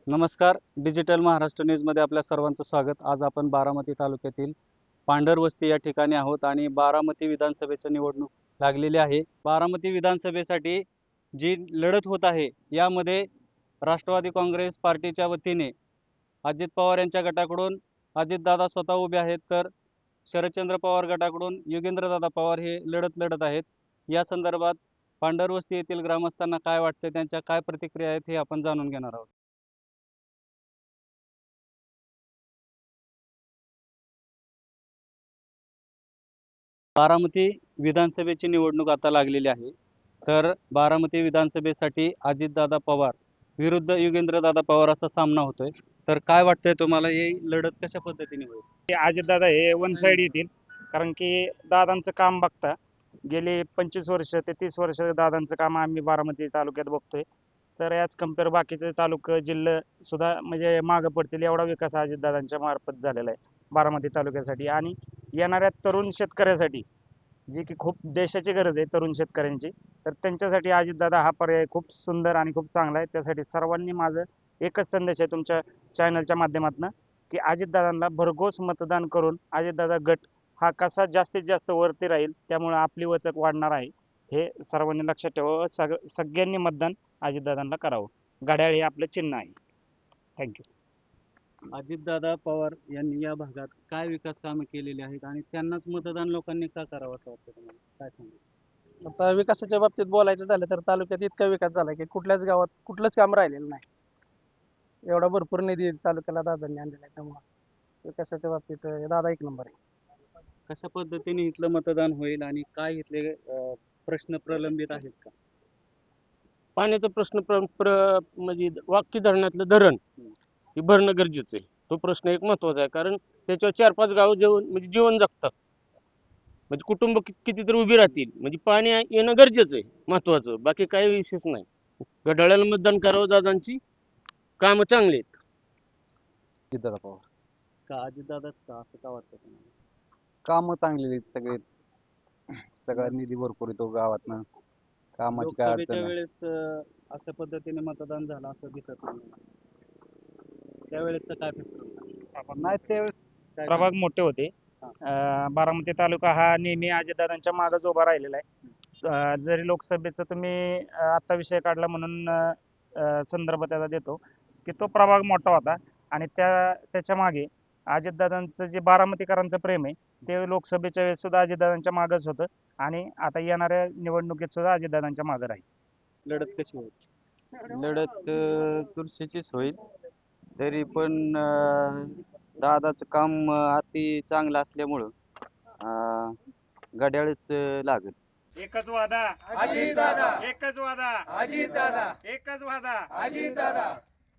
नमस्कार. डिजिटल महाराष्ट्र न्यूजमध्ये आपल्या सर्वांचं स्वागत. आज आपण बारामती तालुक्यातील पांढरवस्ती या ठिकाणी आहोत आणि बारामती विधानसभेची निवडणूक लागलेली आहे. बारामती विधानसभेसाठी जी लढत होत आहे यामध्ये राष्ट्रवादी काँग्रेस पार्टीच्या वतीने अजित पवार यांच्या गटाकडून अजितदादा स्वतः उभे आहेत, तर शरदचंद्र पवार गटाकडून योगेंद्रदादा पवार हे लढत लढत आहेत. या संदर्भात पांढरवस्ती येथील ग्रामस्थांना काय वाटते, त्यांच्या काय प्रतिक्रिया आहेत, हे आपण जाणून घेणार आहोत. बारामती विधानसभेची निवडणूक आता लागलेली आहे. तर बारामती विधानसभेसाठी अजितदादा पवार विरुद्ध योगेंद्रदादा पवार असा सामना होतोय. तर काय वाटतंय तुम्हाला, ही लढत कशा पद्धतीने होईल? अजितदादा हे वन साइड येतील. कारण की दादांचं काम बघता गेली 25 वर्ष ते 30 वर्ष दादांचं काम आम्ही बारामती तालुक्यात बघतोय. तर याच कम्पेअर बाकीचे तालुके जिल्हे सुद्धा म्हणजे मागं पडतील एवढा विकास अजितदादांच्या मार्फत झालेला आहे बारामती तालुक्यासाठी. आणि येणाऱ्या तरुण शेतकऱ्यासाठी जी की खूप देशाची गरज आहे तरुण शेतकऱ्यांची, तर त्यांच्यासाठी अजितदादा हा पर्याय खूप सुंदर आणि खूप चांगला आहे. त्यासाठी सर्वांनी माझं एकच संदेश आहे तुमच्या चॅनलच्या माध्यमातून की अजितदादांना भरघोस मतदान करून अजितदादा गट हा कसा जास्तीत जास्त वरती राहील, त्यामुळे आपली वचक वाढणार आहे. हे सर्वांनी लक्षात ठेवावं. सगळ्यांनी मतदान अजितदादांना करावं. घड्याळ हे आपलं चिन्ह आहे. थँक्यू. अजितदादा पवार यांनी या भागात काय विकास कामे केलेली आहेत आणि त्यांनाच मतदान लोकांनी का करावं असं वाटतं तुम्हाला? काय सांगा. आता विकासाच्या बाबतीत बोलायचं झालं तर तालुक्यात इतका विकास झाला की कुठल्याच गावात कुठलंच काम राहिलेलं नाही. एवढा भरपूर निधी तालुक्याला दादांनी आणलेला आहे, त्यामुळे विकासाच्या बाबतीत दादा एक नंबर आहे. कशा पद्धतीने इथलं मतदान होईल आणि काय इथले प्रश्न प्रलंबित आहेत का? पाण्याचा प्रश्न म्हणजे वाकी धरणातलं धरण हे भरणं गरजेचं आहे. तो प्रश्न एक महत्वाचा आहे, कारण त्याच्यावर 4-5 गाव जीवन जगतात. म्हणजे कुटुंब कितीतरी उभी राहतील. म्हणजे पाणी येणं गरजेचं आहे, महत्वाचं. बाकी काही विशेष नाही. घड्याळाला मतदान करावं. दादांची कामं चांगली आहेत. अजितदादा पवार. का अजितदादाच का, असं का वाटतं तुम्हाला? कामं चांगली आहेत सगळे. सगळा निधी भरपूर येतो गावातनं. कामाची काय अडचण लोकसभेच्या नाही. वेळेस अशा पद्धतीने मतदान झालं असं दिसत नाही. त्यावेळेसचं काय फॅक्टर होता? नाही त्यावेळेस काय प्रभाग मोठे होते. बारामती तालुका हा नेहमी अजितदादांच्या मागच उभा राहिलेला आहे. जरी लोकसभेचा तुम्ही आता विषय काढला म्हणून संदर्भ त्याचा देतो की तो प्रभाग मोठा होता आणि त्याच्या मागे अजितदादांचं जे बारामतीकरांचं प्रेम आहे ते लोकसभेच्या वेळेस सुद्धा अजितदादांच्या मागच होतं आणि आता येणाऱ्या निवडणुकीत सुद्धा अजितदादांच्या मागे राहील. लढत कशी होईल? लढत चुरशीचीच होईल. तरी पण दादाचं काम अति चांगलं असल्यामुळं घड्याळच लागेल. एकच वादा अजितदादा, एकच वादा अजितदादा, एकच वादा अजितदादा.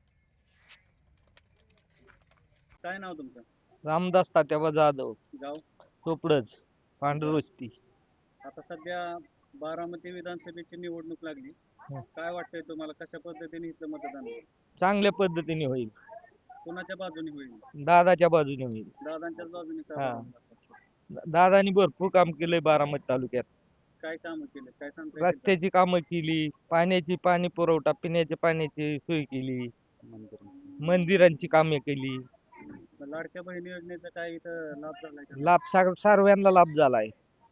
काय नाव तुमचं? रामदास तात्याबा जाधव, गाव? चोपडच, पांढरवस्ती. आता सध्या बारामती विधानसभेची निवडणूक लागली. काय वाटतंय तुम्हाला, कशा पद्धतीने इथलं मतदान होईल? चांगल्या पद्धतीने होईल. कोणाच्या बाजूने होईल? दादाच्या बाजूने होईल. दादांच्याच बाजूने का हा. बरं असं वाटतं? दादानी भरपूर काम केलंय बारामती तालुक्यात. काय कामं केले, काय सांगता येईल का? रस्त्याची कामं केली, पाणी पुरवठा, पिण्याच्या पाण्याची सोय केली, मंदिरांची कामे केली. लाडक्या बहिणी योजनेचा काय इथं लाभ झालाय का? लाभ सर्वांना लाभ झालाय.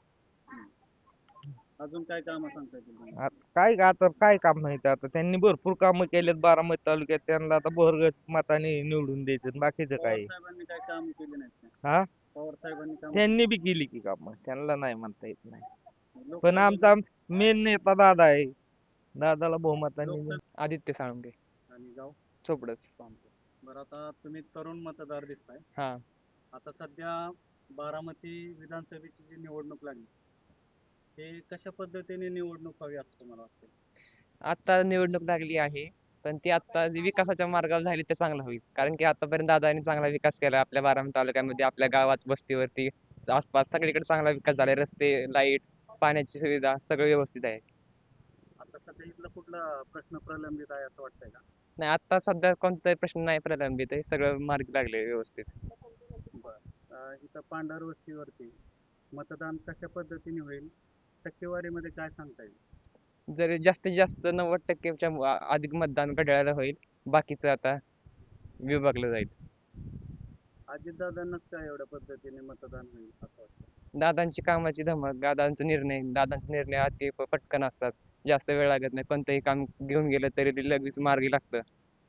अजून काय कामं सांगता येतील तुम्हाला? आता काय काम नाही ते. आता त्यांनी भरपूर कामं केलेत बारामती तालुक्यात. त्यांना आता भरघोस मताने निवडून द्यायचं. बाकीचं पवार काय साहेबांनी काय काम केले नाहीत का? हा पवार साहेबांनी काम त्यांनी बी केली की कामं, त्यांना नाही म्हणता येत नाही. पण लोकसभेला- आमचा मेन नेता दादा आहे. दादाला बहुमताने लोकसभा- आदित्य साळुंके, आणि गाव? चोपडच. बरं, आता तुम्ही तरुण मतदार दिसताय. हा. आता सध्या बारामती विधानसभेची जी निवडणूक लागली, हे कशा पद्धतीने निवडणूक व्हावी असं तुम्हाला वाटतं? आता निवडणूक लागली आहे, पण ती आता जी विकासाच्या मार्गावर झाली ते चांगलं होईल. कारण की आतापर्यंत दादांनी चांगला विकास केला आपल्या बारामती तालुक्यामध्ये, आपल्या गावात, वस्तीवरती, आसपास सगळीकडे चांगला विकास झालाय. रस्ते, लाईट, पाण्याची सुविधा सगळं व्यवस्थित आहे. आता सध्या इथला कुठला प्रश्न प्रलंबित आहे असं वाटतंय का? नाही, आता सध्या कोणताही प्रश्न नाही प्रलंबित आहे, सगळं मार्गी लागले व्यवस्थित. इथं पांढर वस्तीवरती मतदान कशा पद्धतीने होईल, टक्केवारीमध्ये काय सांगता येईल? जर जास्तीत जास्त 90%च्या अधिक मतदान घड्याळाला होईल. बाकीचं आता विभागलं जाईल. अजितदादांनाच काय एवढ्या पद्धतीने मतदान होईल असं वाटतं? दादांची कामाची धमक, दादांचे निर्णय अति पटकन असतात. जास्त वेळ लागत नाही. कोणतंही काम घेऊन गेलं तरी ते लगेच मार्गी लागतं.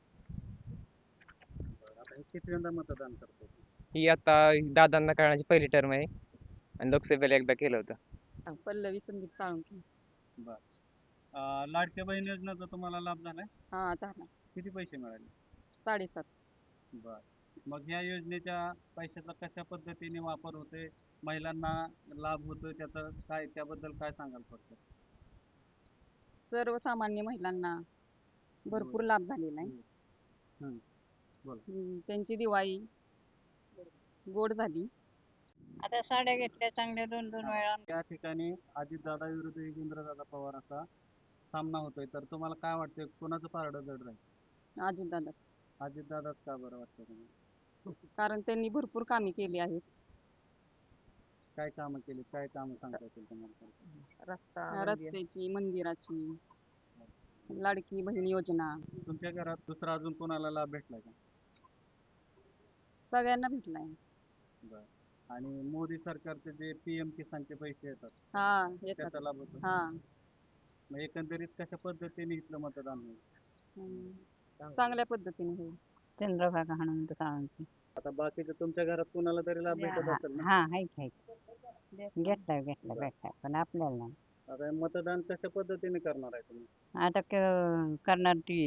बरं, आता हे कितव्यांदा मतदान करतो? ही आता दादांना कळण्याची पहिली टर्म आहे आणि लोकसभेला एकदा केलं होतं. पल्लवी संदीप साळुंखे. लाडक्या बहीण योजनेचा तुम्हाला लाभ झालाय? हा झाला. किती पैसे मिळाले? 7.5. बर, मग ह्या योजनेच्या पैशाचा कशा पद्धतीने वापर होतोय, महिलांना लाभ होतोय, त्याचं काय, त्याबद्दल काय सांगाल फक्त? सर्वसामान्य महिलांना भरपूर लाभ झालेला आहे. हम्म. बोला. त्यांची दिवाळी गोड झाली. आता साड्या घेतल्या चांगल्या 2-2 वेळा. या ठिकाणी अजितदादा विरुद्ध योगेंद्रदादा पवार असा सामना होतोय, तर तुम्हाला काय वाटतंय, कोणाचं पारडं जड राहील? अजितदादाच. अजितदादाच का बरं वाटतं तुम्हाला? कारण त्यांनी भरपूर कामे केली आहेत. काय कामं केली, काय कामं सांगता येतील तुम्हाला? रस्त्याची, मंदिराची, लाडकी बहीण योजना तुमच्या घरात दुसरा अजून कोणाला लाभ भेटलाय का? सगळ्यांना भेटलाय. बर, आणि मोदी सरकारचे जे PM किसानचे पैसे येतात हा येतात. त्याचा लाभ होतो? हा मग एकंदरीत कशा पद्धतीने इथलं मतदान होईल? चांगल्या पद्धतीने होईल. चंद्रभागा हनुमंत साळुंखे. आता बाकीचं तुमच्या घरात कोणाला तरी लाभ भेटत असेल ना? हा हाय घेतलाय पण आपल्याला नाही. आता हे मतदान कशा पद्धतीने करणार आहे तुम्ही? आता करणार ती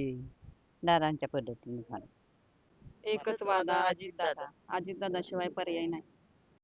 दादांच्या पद्धतीने करणार. एकच वादा अजितदादा. अजितदादा शिवाय पर्याय नाही.